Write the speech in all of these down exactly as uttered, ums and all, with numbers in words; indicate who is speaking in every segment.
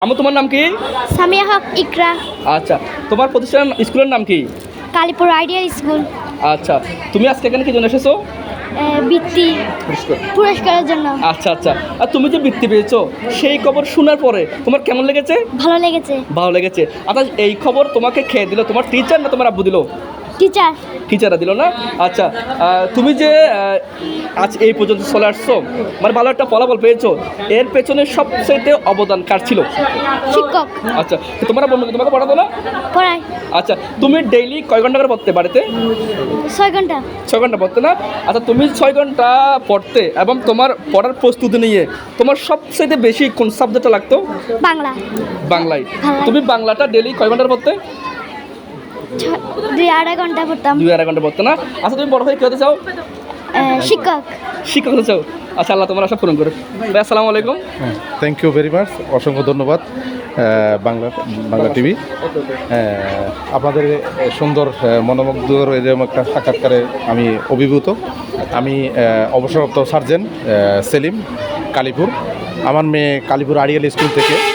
Speaker 1: আমু, তোমার নাম কি?
Speaker 2: সামিয়া হক ইকরা।
Speaker 1: আচ্ছা, তোমার প্রতিষ্ঠান স্কুলের নাম কি?
Speaker 2: Kalipur ideal school.
Speaker 1: আচ্ছা, তুমি আজকে এখানে কি জন্য এসেছো?
Speaker 2: এ, বৃত্তি পুরস্কারের জন্য।
Speaker 1: আচ্ছা আচ্ছা, আর তুমি যে বৃত্তি পেয়েছো সেই খবর শোনার পরে তোমার কেমন লেগেছে?
Speaker 2: ভালো লেগেছে।
Speaker 1: ভালো লেগেছে। আচ্ছা, এই খবর তোমাকে খেয়ে দিল তোমার টিচার না তোমার আব্বু দিল?
Speaker 2: টিচার।
Speaker 1: টিচাররা দিল না? আচ্ছা, আহ, তুমি যে আহ, আজ এই পর্যন্ত চলে আসছো, মানে ভালো একটা ফলাফল পেয়েছো, এর পেছনে সবচেয়ে অবদান কার ছিল?
Speaker 2: শিক্ষক।
Speaker 1: আচ্ছা, তো তোমরা বন্ধু তোমাকে পড়াতো না?
Speaker 2: পড়াই।
Speaker 1: আচ্ছা, তুমি ডেইলি কয় ঘন্টা করে পড়তে বাড়িতে?
Speaker 2: ছয় ঘন্টা।
Speaker 1: ছয় ঘন্টা পড়তে না? আচ্ছা, তুমি ছয় ঘন্টা পড়তে এবং তোমার পড়ার প্রস্তুতি নিয়ে তোমার সবচেয়ে বেশি কোন সাবজেক্টটা লাগতো?
Speaker 2: বাংলা।
Speaker 1: বাংলায়।
Speaker 2: বাংলা।
Speaker 1: তুমি বাংলাটা ডেইলি কয় ঘন্টা পড়তে?
Speaker 2: ছ- দুই আড়াই ঘন্টা পড়তাম।
Speaker 1: দুই আড়াই ঘন্টা পড়তে না? আচ্ছা, তুমি বড় হয়ে কী হতে চাও?
Speaker 2: এ, শিক্ষক।
Speaker 1: শিক্ষক হতে চাও? আচ্ছা, আল্লাহ তোমার আশা পূরণ করে। ভাই, আসসালামু আলাইকুম।
Speaker 3: থ্যাংক ইউ ভেরি মাচ, অসংখ্য ধন্যবাদ বাংলা বাংলা টিভি। আপনাদের এই সুন্দর আহ, মনোমুগ্ধকর এরকম একটা সাক্ষাৎকারে আমি অভিভূত। আমি আহ, অবসরপ্রাপ্ত সার্জেন্ট আহ, সেলিম, কালীপুর। আমার মেয়ে কালীপুর আড়িয়াল স্কুল থেকে আহ,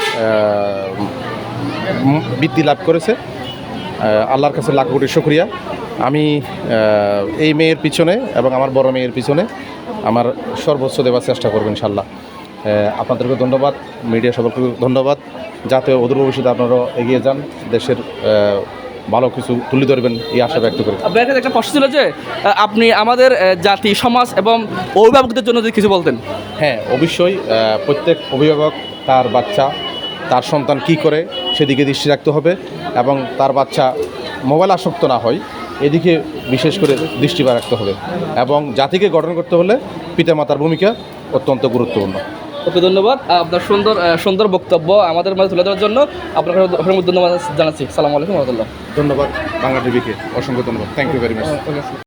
Speaker 3: উম, বৃত্তি লাভ করেছে। আহ, আল্লাহর কাছে লাখ কোটি শুকরিয়া। আমি আহ, এই মেয়ের পিছনে এবং আমার বড় মেয়ের পিছনে আমার সর্বোচ্চ দেওয়ার চেষ্টা করব ইনশাল্লাহ। আহ, আপনাদেরকে ধন্যবাদ, মিডিয়া সকলকে ধন্যবাদ। যাতে অদূর ভবিষ্যতে আপনারা এগিয়ে যান, দেশের আহ, ভালো কিছু তুলে ধরবেন এই আশা ব্যক্ত করি।
Speaker 1: আপনার কাছে একটা প্রশ্ন ছিল যে আহ, আপনি আমাদের আহ, জাতি, সমাজ এবং অভিভাবকদের জন্য যদি কিছু বলতেন।
Speaker 3: হ্যাঁ, অবশ্যই আহ, প্রত্যেক অভিভাবক তার বাচ্চা, তার সন্তান কি করে সেদিকে দৃষ্টি রাখতে হবে এবং তার বাচ্চা মোবাইল আসক্ত না হয় এদিকে বিশেষ করে দৃষ্টি রাখতে হবে। এবং জাতিকে গঠন করতে হলে পিতামাতার ভূমিকা অত্যন্ত গুরুত্বপূর্ণ।
Speaker 1: ওকে, ধন্যবাদ আপনার সুন্দর আহ, সুন্দর বক্তব্য আমাদের মাঝে তুলে ধরার জন্য। আপনাকে অসংখ্য ধন্যবাদ জানাচ্ছি। সালামু আলাইকুম রহমতুল্লাহ।
Speaker 3: ধন্যবাদ বাংলা টিভিকে, অসংখ্য ধন্যবাদ। Thank you very much.